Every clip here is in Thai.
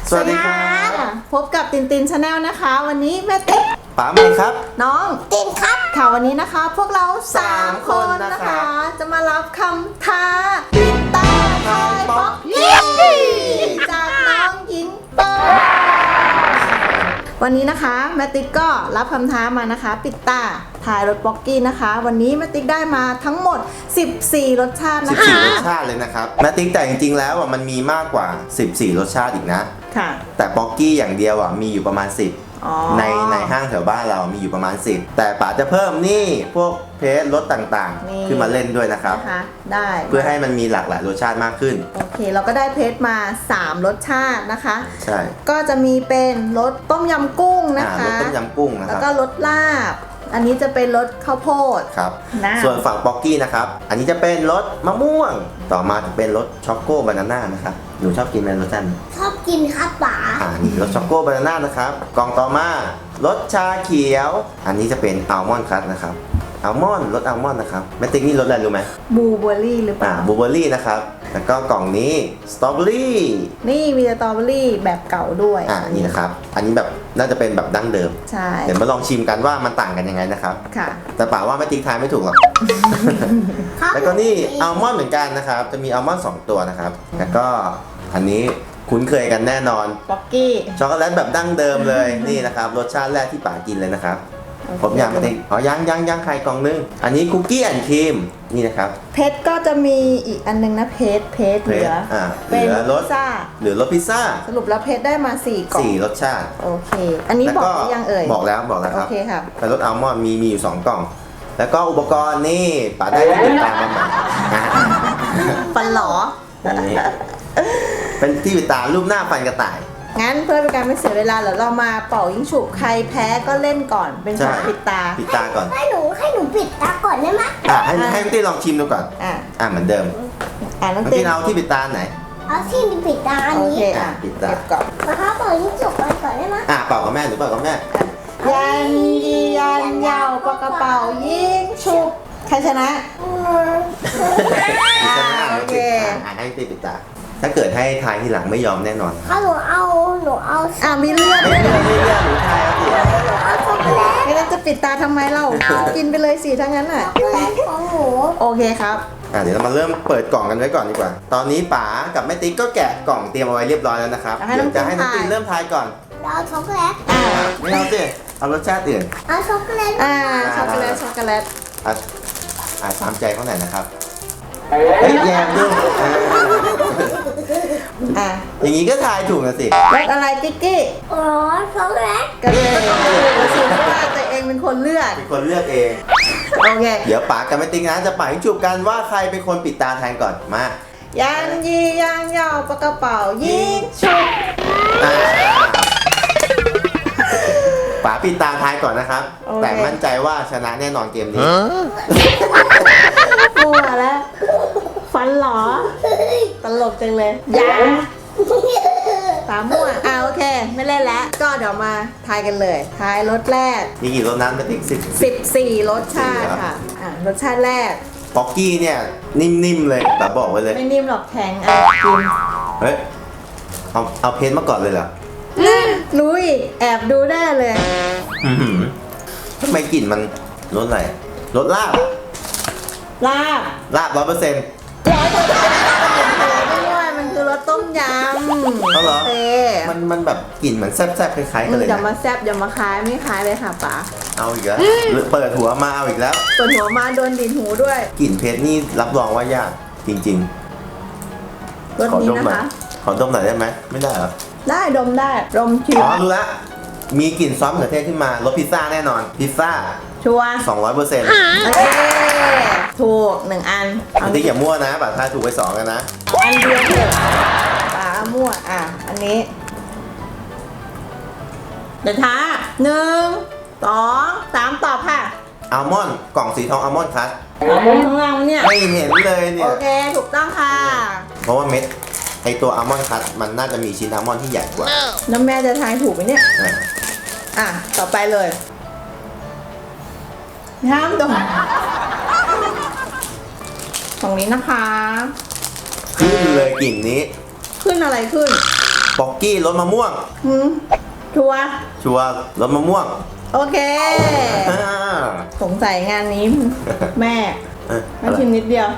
สวัสดีครับพบกับตินตินชาแนลนะคะวันนี้แม่ติ๊กป๋าใหม่ครับน้องตินครับค่ะวันนี้นะคะพวกเรา3 คนนะคะ จะมารับคำท้าปิดตาทายป๊อกกี้จากน้องหญิงเปิ้ลวันนี้นะคะแม่ติ๊กก็รับคำท้ามานะคะปิดตาทายรสป๊อกกี้นะคะวันนี้แม่ติ๊กได้มาทั้งหมด14รสชาตินะคะ 14รสชาติเลยนะครับแม่ติ๊กแต่จริงๆแล้วมันมีมากกว่า14รสชาติอีกนะค่ะแต่ป๊อกกี้อย่างเดียวมีอยู่ประมาณ10ในห้างแถวบ้านเรามีอยู่ประมาณ10แต่ป๋าจะเพิ่มนี่พวกเพสรสต่างๆขึ้นมาเล่นด้วยนะครับได้เพื่อให้มันมีหลากหลายรสชาติมากขึ้นโอเคเราก็ได้เพสมา3รสชาตินะคะใช่ก็จะมีเป็นรสต้มยำกุ้งนะคะรสต้มยำกุ้งนะครับแล้วก็รสลาบอันนี้จะเป็นรสข้าวโพดครับส่วนฝั่งป๊อกกี้นะครับอันนี้จะเป็นรสมะม่วงต่อมาจะเป็นรสช็อกโกบานาน่านะครับหนูชอบกินไหมรสจันชอบกินครับป๋านี่รสช็อกโกบานาน่านะครับกล่องต่อมารสชาเขียวอันนี้จะเป็นอัลมอนด์คัทนะครับอัลมอนด์รสอัลมอนด์นะครับแม่ติ๊กนี่รสอะไรรู้ไหมบลูเบอร์รี่หรือเปล่าบลูเบอร์รี่นะครับแล้วก็กล่องนี้สตรอเบอรี่นี่มีสตรอเบอรี่แบบเก่าด้วยนี่นะครับอันนี้แบบน่าจะเป็นแบบดั้งเดิมใช่เดี๋ยวมาลองชิมกันว่ามันต่างกันยังไงนะครับค่ะแต่ป่าว่าแม่ติ๊กทายไม่ถูกหรอกแล้วก็นี่อัลมอนด์เหมือนกันนะครับจะมีอัลมอนด์2ตัวนะครับแล้วก็อันนี้คุ้นเคยกันแน่นอนป๊อกกี้ช็อกโกแลตแบบดั้งเดิมเลยนี่นะครับรสชาติแรกที่ป๋ากินเลยนะครับผมอยากมาติ๊กยังไข่กล่องนึงอันนี้คุกกี้แอนด์ครีมนี่นะครับเพชรก็จะมีอีกอันนึงนะเพชรเหลือเป็นรสพิซซ่าหรือรสพิซซ่าสรุปแล้วเพชรได้มา4กล่อง 4รสชาติโอเคอันนี้บอกยังเอ่ยบอกแล้วครับโอเคครับเป็นรสอัลมอนด์มีอยู่2กล่องแล้วก็อุปกรณ์นี่ป๋าได้ที่ติดตามมาใหม่ฟันหลอเป็นที่ปิดตารูปหน้าฟันกระต่ายงั้นเพื่อเป็นการไม่เสียเวลาเดี๋ยวเรามาเป่ายิงฉุบใครแพ้ก็เล่นก่อนเป็นการปิดตาก่อนให้หนูปิดตาก่อนได้ไหมให้พี่ตี้ลองชิมดูก่อนเหมือนเดิมน้องตี้เอาที่ปิดตาไหนเอาที่ปิดตาอันนี้ปิดตาก่อนนะคะเป่ายิงฉุบก่อนได้ไหมเป่ากับแม่หรือเป่ากับแม่ยันยาวปากกระเป๋ายิงฉุบใครชนะโอเคให้ตี้ปิดตาถ้าเกิดให้ทายทีหลังไม่ยอมแน่นอนหนูเอามีเลือดไม่เลือดหนูทายเอาช็อกโกแลตไม่งั้นจะปิดตาทำไมเรากินไปเลยสิทั้งนั้นช็อกโกแลตของหนูโอเคครับเดี๋ยวเรามาเริ่มเปิดกล่องกันไว้ก่อนดีกว่าตอนนี้ป๋ากับแม่ติ๊กก็แกะกล่องเตรียมเอาไว้เรียบร้อยแล้วนะครับเดี๋ยวจะให้น้องติ๊กเริ่มทายก่อนเอาช็อกโกแลตไม่เอาสิเอารสชาติอื่นเอาช็อกโกแลตช็อกโกแลตตามใจเขาหน่อยนะครับแยมด้วยอย่างนี้ก็ทายถูกนะสิรสอะไรกิ๊กกี้ช็อกโกแลตก็เลยรู้ว่าตัวเองเป็นคนเลือกเองโอเคเดี๋ยวป๋ากับแม่ติ๊กนะจะป๋าให้จูบกันว่าใครเป็นคนปิดตาแทนก่อนมายันยาวปากกระเป๋ายิงฉุบป๋าปิดตาทายก่อนนะครับแต่มั่นใจว่าชนะแน่นอนเกมนี้มัวแล้วฟันหรอตลกจังเลยยาตามั่วโอเคไม่เล่นแล้วก็เดี๋ยวมาทายกันเลยทายรสแรกมีกี่รสนั้นมาติ๊ก 14รสชาติค่ะรสชาติแรกป๊อกกี้เนี่ยนิ่มๆเลยแต่บอกไว้เลยไม่นิ่มหรอกแข็งกินเฮ้ยเอาเพนมาก่อนเลยเหรอรู้อีกแอบดูได้เลยทำไมกลิ่นมันรสอะไรรสลาบ100% ด้วยมันคือรสต้มยำเหรอมันแบบกลิ่นเหมือนแซ่บๆคล้ายๆกันเลยอย่ามาแซ่บอย่ามาคล้ายไม่คล้ายเลยค่ะป๋าเอาอีกแล้วเปิดหัวมาเอาอีกแล้วเปิดหัวมาโดนดินหูด้วยกลิ่นเพชรนี่รับรองว่ายากจริงๆรสนี้นะคะขอดมหน่อยได้ไหมไม่ได้เหรอได้ดมได้ดมชิมรู้ละมีกลิ่นซอสมะเขือเทศขึ้นมารสพิซซ่าแน่นอนพิซซ่าชัวร์ 200% ถูก1อันอันนี้อย่ามั่วนะป๋าทายถูกไป2กันนะอันเดียวเถอะป๋ามั่วอันนี้เดี๋ยวท้า1 2 3ตอบค่ะอัลมอนด์กล่องสีทองอัลมอนด์คัทข้างล่างเนี่ยไม่เห็นเลยเนี่ยโอเคถูกต้องค่ะเพราะว่าเม็ดไอตัวอัลมอนด์คัทมันน่าจะมีชิ้นอัลมอนด์ที่ใหญ่กว่าแล้วแม่จะทายถูกไหมเนี่ยต่อไปเลยห้ามดมตรงนี้นะคะขึ้นเลยกลิ่นนี้ขึ้นอะไรขึ้นป๊อกกี้รสมะม่วงชัวร์ชัวร์รสมะม่วงโอเคอ่าสงสัยงานนี้ แม่เอ้ยแม่ชิมนิดเดียว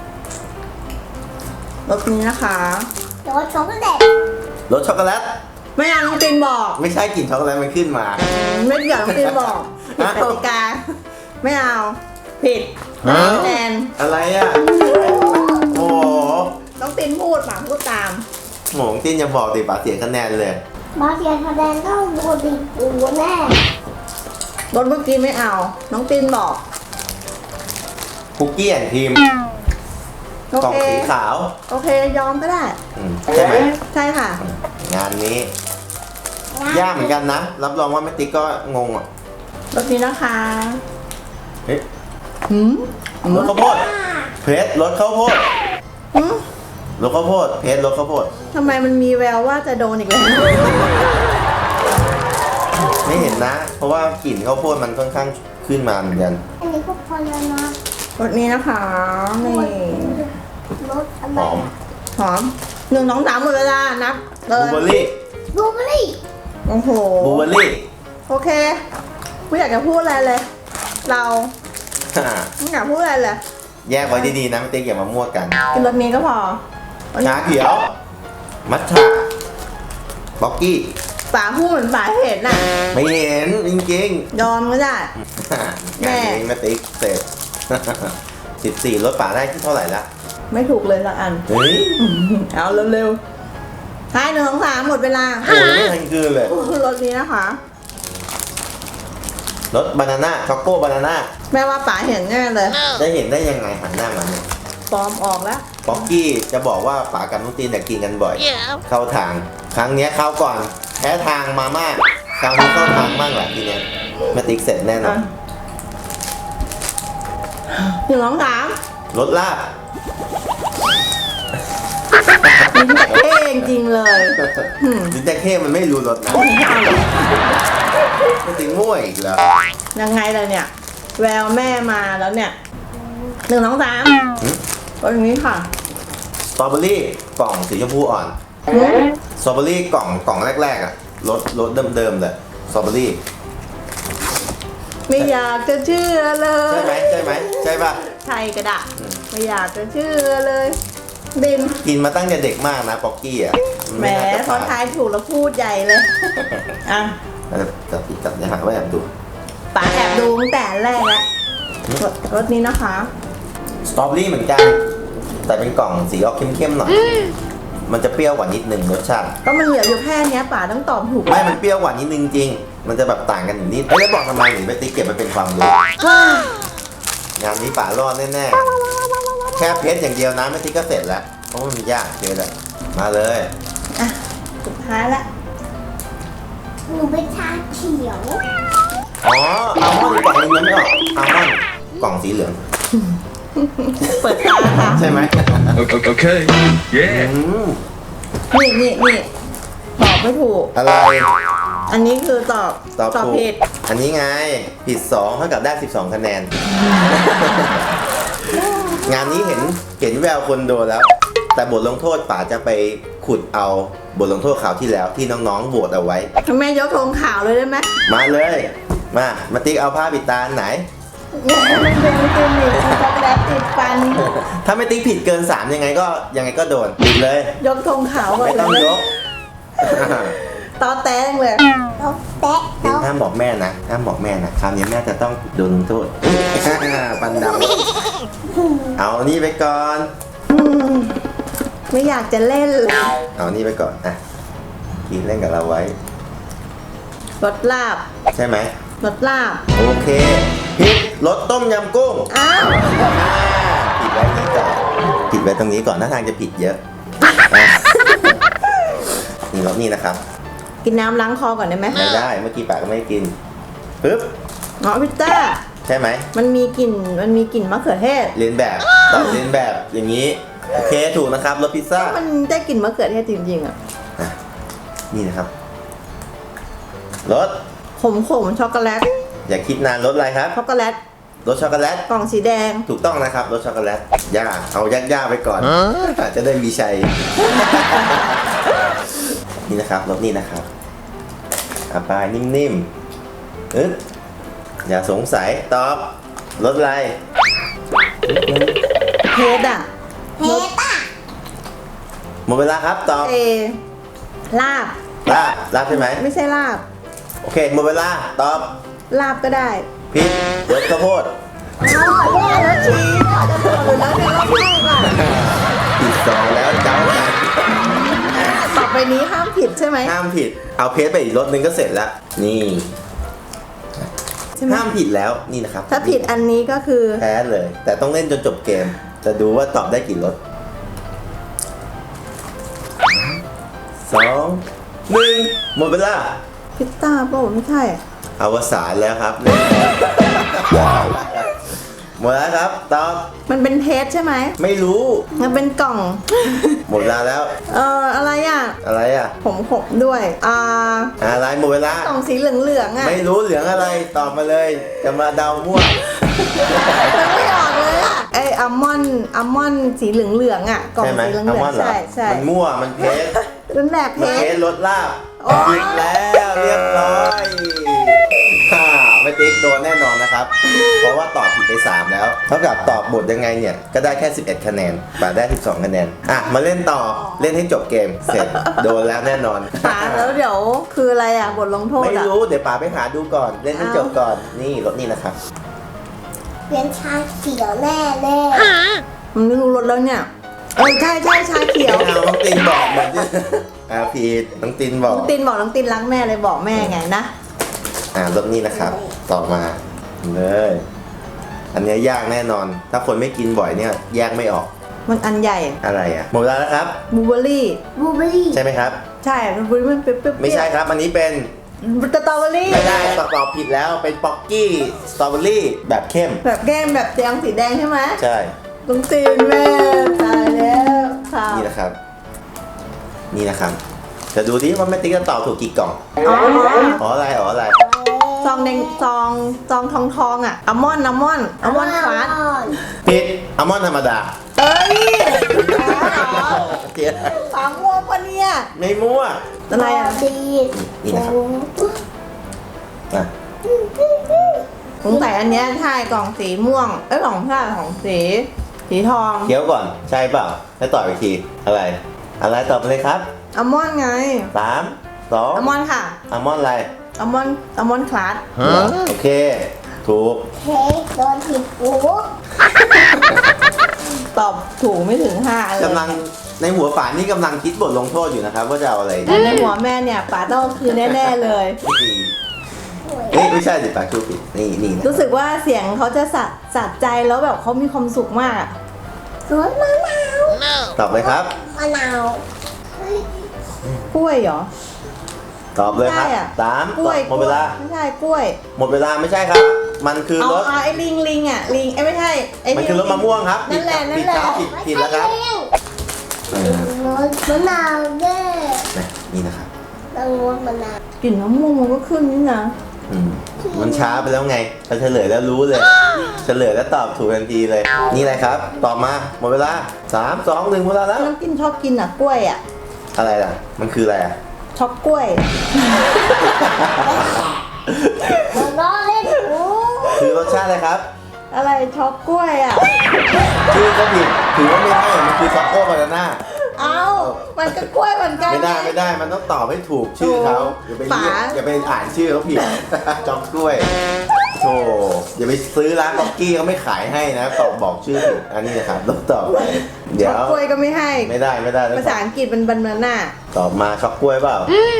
รสนี้นะคะรสช็อกโกแลตรสช็อกโกแลตไม่เอาน้องตินบอกไม่ใช่กลิ่นช็อกโกแลตมันขึ้นมาไม่เกี่ยวน้องตินบอกผิดกติกาไม่เอาผิดฮะคะแนนอะไรอ่ะ โอ้โหน้องตินพูดป่ะพูดตามหมงติ้นจะบอกติป่าเสียคะแนนเลยมาเสียคะแนนต้องโดนดิปูแน่รสเมื่อกี้ไม่เอา น้องตินบอกคุกกี้แอนด์ครีมโอกล่องเคสีขาวโอเคยอมก็ได้ใช่ไหมใช่ค่ะงานนี้ ยากเหมือนกันนะ รับรองว่าแม่ติ๊กก็งงอ่ะรสนี้นะคะเฮ้ยหืมรสข้าวโพดเพชรรสข้าวโพดหืมรสข้าวโพดเพชรรสข้าวโพดทำไมมันมีแววว่าจะโดนอีกแล้วไม่เห็นนะ เพราะว่ากลิ่นข้าวโพดมันค่อนข้างขึ้นมาเหมือนกันอันนี้ก็พอแล้วนะรสนี้นะคะนี่รสอะหไรอมหอม1 2 3หมดเวลานับเลบลูยเบอร์รี่บลูเบอร์รี่โอ้โหบลูเบอร์รี่โอเคไม่อยากจะพูดอะไรเลย เราไม่อยากพูดอะไรเลยแยกไว้ดีๆนะแม่ติ๊กอย่ามามั่วกันกินรสนี้ก็พอชาเขียว มัทฉะบ็อกกี้ป๋าพูดเหมือนป๋าเห็นน่ะไม่เห็นจริงยอมก็ได้ๆงานนี้แม่ติ๊กเสร็จ 14รถป่าได้ที่เท่าไหร่ละไม่ถูกเลยสักอันเฮ้ยเอาเร็วๆท้าย1 2 3หมดเวลาโอ้ยไม่ทันคืนเลยรสนี้นะคะรถบานาน่าช็อกโกบานาน่าแม่ว่าป๋าเห็นแน่เลยได้เห็นได้ยังไงหันหน้ามาเนี่ยปลอมออกแล้วป๊อกกี้จะบอกว่าป๋ากับน้องตีนเนี่ยกินกันบ่อย เข้าทาง ครั้งเนี้ยเข้าก่อนแพ้ทางมาม่าคราวนี้เข้าทางมากแหละทีเนี้ยแม่ติ๊กเสร็จแน่นอน 1 2 3 รถลาบลิ้นตะเข้จริงๆเลยดินแจ็คเค้มันไม่รู้รถนะแม่ติ๊กมั่วอีกแล้วยังไงล่ะเนี่ย แววแม่มาแล้วเนี่ย1 2 3รสนี้ค่ะสตรอเบอรี่กล่องสีชมพูอ่อน สตรอเบอรี่กล่องแรกๆอ่ะรสเดิมๆเลยสตรอเบอรี่ไม่อยากจะเชื่อเลยใช่ไหมใช่ไหมใช่ป่ะใช่กระดาษไม่อยากจะเชื่อเลยบินกินมาตั้งแต่เด็กมากนะป๊อกกี้อ่ะนแหมน่าจะพอทายถูกแล้วพูดใหญ่เลยอ่ะจับผิดจับอย่าหาว่าแอบดูป๋าแอบดูตั้งแต่แรกแล้วรสนี้นะคะสตรอเบอรี่เหมือนกัน แต่เป็นกล่องสีออกเข้มๆหน่อย มันจะเปรี้ยวกว่านิดนึงรสชาติก็มันเหลืออยู่แค่เนี้ยป๋าต้องตอบถูกไม่มันเปรี้ยวกว่านิดนึงจริง มันจะแบบต่างกันอยู่นิดแล้วบอกทำไมหนูไปติ๊กเก็บไปเป็นความรู้ งานนี้ป๋ารอดแน่ๆ แค่เพชรอย่างเดียวนะไม่ติ๊กก็เสร็จแล้ว เพราะว่ามันยากเพชรอะมาเลยอ่ะสุดท้ายละหนูเป็นชาเขียวอ๋ออัลมอนด์กล่องนึงยังไม่ออกอัลมอนด์กล่องสีเหลืองเปิดตาค่ะใช่ไหม Okay. Yeah. นี่ตอบไม่ถูกอะไรอันนี้คือตอบตอบถูกผิดอันนี้ไง ผิด2เท่ากับได้ 12 คะแนน งานนี้เห็นแววคนโดนแล้ว แต่บทลงโทษป๋าจะไปขุดเอาบทลงโทษคราวที่แล้วที่น้องๆโหวตเอาไว้แม่ยกธงขาวเลยได้ไหมมาเลย มาติ๊กเอาผ้าปิดตาอันไหนมันเป็นตัวหนีบช็อกโกแลตติดฟันถ้าไม่ติ๊กผิดเกิน 3 ยังไงก็โดนปิดเลยยกธงขาวก่อนไม่ต้องเลยยกตอแตงเลยเราแตะติ๊กเราห้ามบอกแม่นะห้ามบอกแม่นะคราวนี้แม่จะต้องโดนลงโทษ ปันดำเอานี่ไปก่อนอืมไม่อยากจะเล่นเลยเอานี่ไปก่อนอ่ะกินเล่นกับเราไว้รสลาบใช่ไหมรสลาบโอเคผิดรสต้มยำกุ้งอ้าวผิดไว้นี้ก่อนผิดไว้ตรงนี้ก่อนหน้าทางจะผิดเยอะอ่ะนี่รสนี่นะครับกินน้ำล้างคอก่อนได้ไหมไม่ได้เมื่อกี้ปากก็ไม่ได้กินปึ๊บอ๋อพิซซ่าใช่ไหมมันมีกลิ่นมะเขือเทศเรียนแบบตอบเรียนแบบอย่างนี้โอเคถูกนะครับรสพิซซ่ามันได้กลิ่นมะเขือเทศจริงๆอ่ะอ่ะนี่นะครับรสขมช็อกโกแลตอย่าคิดนานรสอะไรครับช็อกโกแลตรสช็อกโกแลตกล่องสีแดงถูกต้องนะครับรสช็อกโกแลตยากเอายากๆไปก่อนอาจจะได้มีชัยนี่นะครับรสนี่นะครับไปนิ่มๆอย่าสงสัยตอบรสอะไรเพชรอ่ะเพชรอ่ะหมดเวลาครับตอบลาบลาบใช่ไหมไม่ใช่ลาบโอเคหมดเวลาตอบลาบก็ได้ผิดรสข้าวโพดแม่แล้วชี้จะถูกหรือแล้วเนี่ยรอบแรกอ่ะผิด2แล้วเจ้ากันต่อไปนี้ห้ามผิดใช่ไหมห้ามผิดเอาเพชรไปอีกรสหนึงก็เสร็จแล้วนี่ใช่ไหมห้ามผิดแล้วนี่นะครับถ้าผิดอันนี้ก็คือแพ้เลย แต่ต้องเล่นจนจบเกม จะดูว่าตอบได้กี่รส2 1หมดเวลาพิซซ่าเปล่าไม่ใช่อวสานแล้วครับหมดแล้วครับตอบมันเป็นเพชรใช่ไหมไม่รู้มันเป็นกล่องหมดเวลาแล้วอะไรอ่ะอะไรอ่ะผมด้วยอะไรหมดเวลากล่องสีเหลืองๆอ่ะไม่รู้เหลืองอะไรตอบมาเลยจะมาเดามั่วมันไม่ออกเลยอ่ะไออัลมอนด์สีเหลืองๆอ่ะ กล่องใช่ไหมสีเหลือัลมออง นด์ๆเหรอใช่มันมั่วมันเพชรรุ่นแรกเพมันเพชชรรรสลาบโอ๊ยผิดแล้วเรียบร้อยไม่ติ๊กโดนแน่นอนนะครับ เพราะว่าตอบผิดไป3แล้วเท่ากับตอบบทยังไงเนี่ยก็ได้แค่11คะแนนป่าได้12คะแนนมาเล่นต่อเล่นให้จบเกมเสร็จโดนแล้วแน่นอนป๋าแล้วเดี๋ยวคืออะไรอ่ะบทลงโทษไม่อ่ะรู้เดี๋ยวป่าไปหาดูก่อนเล่นให้จบก่อนนี่รถนี่นะครับเป็นชาเขียวแน่แน่มันไม่รู้รสแล้วเนี่ยใช่ชาเขียวไม่เอาน้องตินบอกเหมือนที่ผิดน้องตินบอกน้องตินบอกน้องตินรักแม่เลยบอกแม่ไงนะรถนี่นะครับ ต่อมาเลยอันเนี้ยยากแน่นอน ถ้าคนไม่กินบ่อยเนี่ยแยกไม่ออกมันอันใหญ่อะไรหมดเวลาแล้วครับบลูเบอร์รี่บลูเบอร์รี่ใช่ไหมครับใช่บลูเบอร์รี่มันเปรี้ยวๆไม่ใช่ครับ อันนี้เป็นสตรอเบอร์รี่ไม่ได้ตอบผิดแล้วเป็นป๊อกกี้สตรอเบอรี่แบบเข้มแบบแก้มแบบแดงสีแดงใช่ไหมใช่น้องตินแม่ตายแล้วค่ะนี่นะครับ นี่นะครับ จะดูดิว่าแม่ติ๊กจะตอบถูกกี่กล่องอ๋ออะไรซองแดงซองทองอ่ะอัลมอนด์คลาสผิดอัลมอนด์ธรรมดาเอ้ยเจี๊ยบสามม่วงปะเนี่ยไม่มั่วอะไรอ่ะดีนี่นะครับอ่ะสงสัยอันเนี้ยใช่กล่องสีม่วงกล่องผ้าของสีทองเคี้ยวก่อนใช่เปล่าแล้วตอบอีกทีอะไรตอบมาเลยครับอัลมอนด์ไง 3 2 อัลมอนด์ค่ะอัลมอนด์อะไรอัลมอนด์คลาสโอเค ถูกเค้กโดนผิดหูตอบถูกไม่ถึง5เลยกำลังในหัวป่านี่กำลังคิดบทลงโทษอยู่นะครับ ว่าจะเอาอะไรแต่ในหัวแม่เนี่ยป๋าต้องคือแน่ๆเลยไม่ใช่สิป่าชูผิดนี่นะรู้สึกว่าเสียงเขาจะสะใจแล้วแบบเขามีความสุขมากอะรสมะนาวตอบเลยครับมะนาวกล้วยเหรอตอบเลยครับใช่อะ 3 กล้วยหมดเวลาไม่ใช่กล้วยหมดเวลาไม่ใช่ครับ มันคือเอารถไอ้ลิงอ่ะลิงไม่ใช่ไอ้มันคือรถมะม่วงครับนั่นแหละผิดครับผิดแล้วครับรสมะนาวแน่นี่นะครับต้องรสมะนาวกลิ่นมะม่วงมันก็ขึ้นนี่นะมันช้าไปแล้วไงพอเฉลยแล้วรู้เลย เฉลยแล้วตอบถูกทันทีเลย นี่อะไรครับ ตอบมาหมดเวลา3 2 1หมดเวลาแล้วน้ำกินชอบกินอ่ะกล้วยอ่ะอะไรล่ะ มันคืออะไรอ่ะช็อกกล้วยล้อเล่นหูคือรสชาติอะไรครับอะไรช็อกกล้วยอ่ะชื่อก็ผิดถือว่าไม่ให้มันคือช็อกโกบานาน่าเอ้ามันก็กล้วยเหมือนกันไม่ได้มันต้องตอบให้ถูกชื่อเขาอย่าไปเรียกป๋าอย่าไปอ่านชื่อเขาผิด จ็อกกล้วยโธ่อย่าไปซื้อร้านบ็อกกี้เขาไม่ขายให้นะตอบบอกชื่อผิดอันนี้นะครับต้องตอบไปเดี๋ช็ยอกวกล้วยก็ไม่ให้ไม่ได้ต้องภาษาอังกฤษมันบานาน่าตอบมาช็อกกล้วยเปล่า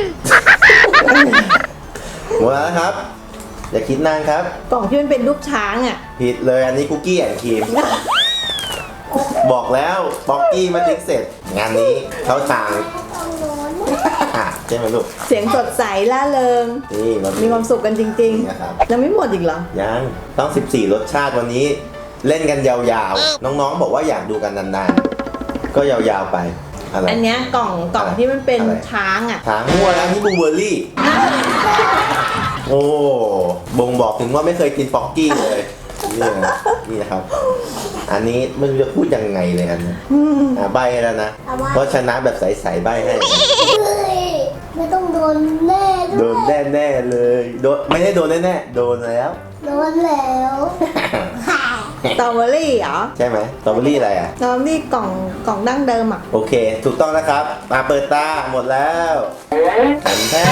หมดแล้วนะครับ อย่าคิดนานครับกล่องที่มันเป็นรูปช้างอ่ะผิดเลยอันนี้คุกกี้แอนด์ครีมบอกแล้วบ็อกกี้มาติ๊กเสร็จ งานนี้เขาทางต้องโน้นใช่ไหมลูกเสียงสดใสล่าเริงนี่เรามีความสุขกันจริงนะครับๆยังไม่หมดอีกเหรอยังต้อง 14 รสชาติวันนี้ เล่นกันยาวๆ น้องๆ บอกว่าอยากดูกันนานๆ ก็ยาวๆไป อะไรอันเนี้ยกล่องที่มันเป็นอะไรช้างอ่ะถามมั่วแล้วนี่บลูเบอร์รี่ โอ้บ่งบอกถึงว่าไม่เคยกินป๊อกกี้เลยนี่นะครับ อันนี้ไม่รู้จะพูดยังไงเลยอันนี้ใบแล้วนะ เพราะชนะแบบใสๆใบให้เฮ้ยไม่ต้องโดนแน่โดด้วยนแน่ๆเลยโดนไม่ได้โดนแน่ๆโดนแล้วโดนแล้วค่ะสตรอเบอรี่เหรอใช่ไหมสตรอเบอรี่อะไรอ่ะสตรอเบอรี่กล่องดั้งเดิมอ่ะโอเค ถูกต้องนะครับมาเปิดตาหมดแล้วแผ่นแท้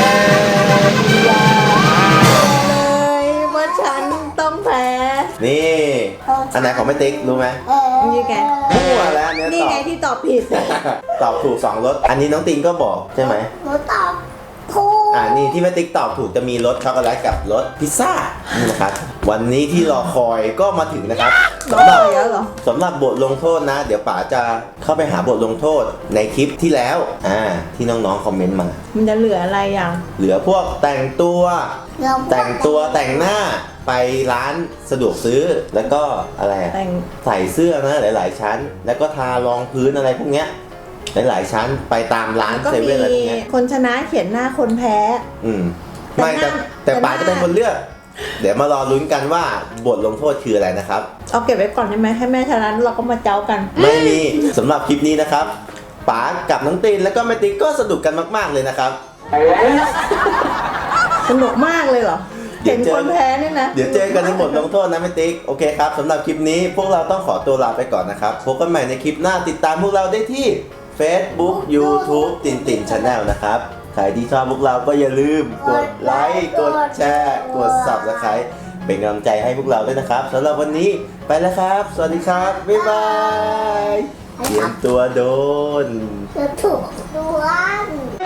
เลยว่าฉันต้องแพ้นี่ อันไหนของแม่ติ๊กรู้ไหมนี่ไงมั่วแล้วเนี่ยนี่ตอไงบที่ตอบผิดตอบถูก2รสอันนี้น้องติงก็บอกใช่ไหมหนูตอบถูกนี่ที่แม่ติ๊กตอบถูกจะมีรสช็อกโกแลตกับรสพิซซ่านี่นะครับ วันนี้ที่รอคอยก็มาถึงนะครับรอสำหรับคอยแล้วเหรอสำหรับบทลงโทษนะ เดี๋ยวป๋าจะเข้าไปหาบทลงโทษในคลิปที่แล้วที่น้องๆคอมเมนต์มามันจะเหลืออะไรอย่างเหลือพวกแต่งตัวเราแต่งตัวแต่งหน้าไปร้านสะดวกซื้อแล้วก็อะไรอะแต่งใส่เสื้อนะหลายๆชั้น แล้วก็ทารองพื้นอะไรพวกเนี้ยหลายๆชั้นไปตามร้านก็เซมีเว่นอะไรพวกเนี้ยคนชนะเขียนหน้าคนแพ้ไม่แต่แต่หน้าป๋าจะเป็นคนเลือก เดี๋ยวมารอลุ้นกันว่าบทลงโทษคืออะไรนะครับเอาเก็บไว้ก่อนได้ไหมให้แม่ชนะเราก็มาเจ้ากันไม่มีสำหรับคลิปนี้นะครับป๋ากับน้องตีนแล้วก็แม่ติ๊กก็สนุกกันมากๆเลยนะครับสนุกมากเลยเหรอเดี๋เห็ยวน เจอคนแพ้เนี่ยนะเดี๋ยวเจอกันในบทลงโทษนะแม่ติ๊กโอเคครับสำหรับคลิปนี้พวกเราต้องขอตัวลาไปก่อนนะครับพบกันใหม่ในคลิปหน้าติดตามพวกเราได้ที่ Facebook YouTube ตินติน Channel นะครับใครที่ชอบพวกเราก็อย่าลืมกดไลค์กดแชร์กด Subscribe เป็นกำลังใจให้พวกเราด้วยนะครับสำหรับวันนี้ไปแล้วครับ สวัสดีครับ บ๊ายบายเตรียมตัวโดนจะถูกด้วย